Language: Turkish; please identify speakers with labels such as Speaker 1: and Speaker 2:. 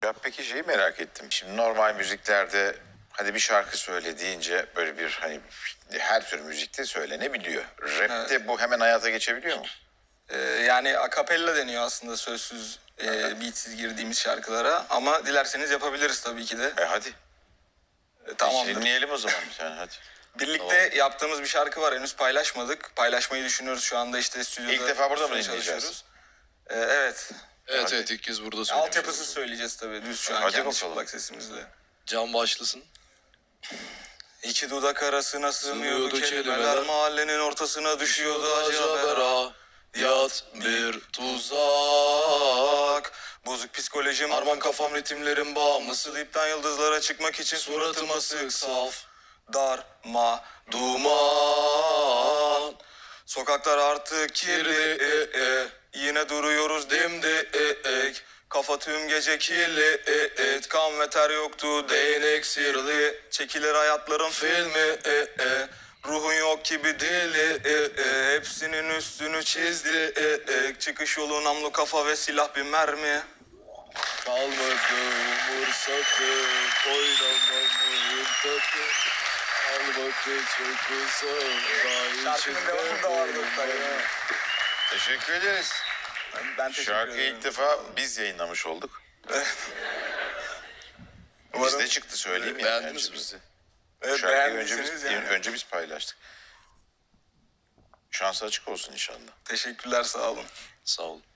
Speaker 1: Ya peki şeyi merak ettim. Şimdi normal müziklerde hadi bir şarkı söyle deyince böyle bir hani her tür müzikte söylenebiliyor. Rap'te
Speaker 2: Evet.
Speaker 1: bu hemen hayata geçebiliyor mu?
Speaker 2: Yani akapella deniyor aslında sözsüz, beatsiz girdiğimiz şarkılara. Ama dilerseniz yapabiliriz tabii ki de.
Speaker 1: Hadi.
Speaker 2: Tamamdır.
Speaker 1: Dinleyelim o zaman bir tane hadi.
Speaker 2: Birlikte yaptığımız bir şarkı var. Henüz paylaşmadık. Paylaşmayı düşünüyoruz şu anda işte stüdyoda.
Speaker 1: İlk defa burada mı
Speaker 2: üstüne
Speaker 1: dinleyeceğiz?
Speaker 2: çalışıyoruz. Evet.
Speaker 3: Evet
Speaker 1: Hadi.
Speaker 3: evet ilk kez burada söyleyeceğiz.
Speaker 2: Altyapısız söyleyeceğiz tabii. Düz şu an
Speaker 1: Hadi
Speaker 2: kendi
Speaker 1: bakalım.
Speaker 2: çıplak sesimizle.
Speaker 3: Can başlasın.
Speaker 2: İki dudak arasına sığmıyordu
Speaker 3: Sığmıyordu
Speaker 2: kelimeler.
Speaker 3: kelimeler.
Speaker 2: Mahallenin ortasına düşüyordu acaba.
Speaker 3: Acabera. Yat bir tuzak.
Speaker 2: Bozuk psikolojim
Speaker 3: Arman kafam ritimlerin bağımlısı.
Speaker 2: dipten yıldızlara çıkmak için
Speaker 3: Suratıma sık saf.
Speaker 2: darma
Speaker 3: Duman.
Speaker 2: Sokaklar artık kirli,
Speaker 3: Kirli,
Speaker 2: yine duruyoruz dimdik. Kafa tüm gece kirli, kan ve ter yoktu değnek sirli. Çekilir hayatların filmi, ruhun yok gibi dili, hepsinin üstünü çizdi. Çıkış yolu namlu kafa ve silah bir mermi.
Speaker 3: Kalmadı umursadı. Oynamamı tadı. Al vakit çok uzun.
Speaker 2: Şarkının devamı da vardı tabii.
Speaker 1: Teşekkür ederiz.
Speaker 2: Ben teşekkür
Speaker 1: Şarkıyı
Speaker 2: ederim.
Speaker 1: ilk defa biz yayınlamış olduk.
Speaker 2: Umarım-
Speaker 1: Bizde çıktı söyleyeyim ya.
Speaker 3: Beğendiniz
Speaker 1: Önce
Speaker 3: mi?
Speaker 1: bizde.
Speaker 2: Evet,
Speaker 1: Şarkıyı önce
Speaker 2: beğendiyseniz
Speaker 1: biz,
Speaker 2: yani.
Speaker 1: önce biz paylaştık. Şansı açık olsun inşallah.
Speaker 2: Teşekkürler, sağ olun.
Speaker 3: Sağ olun.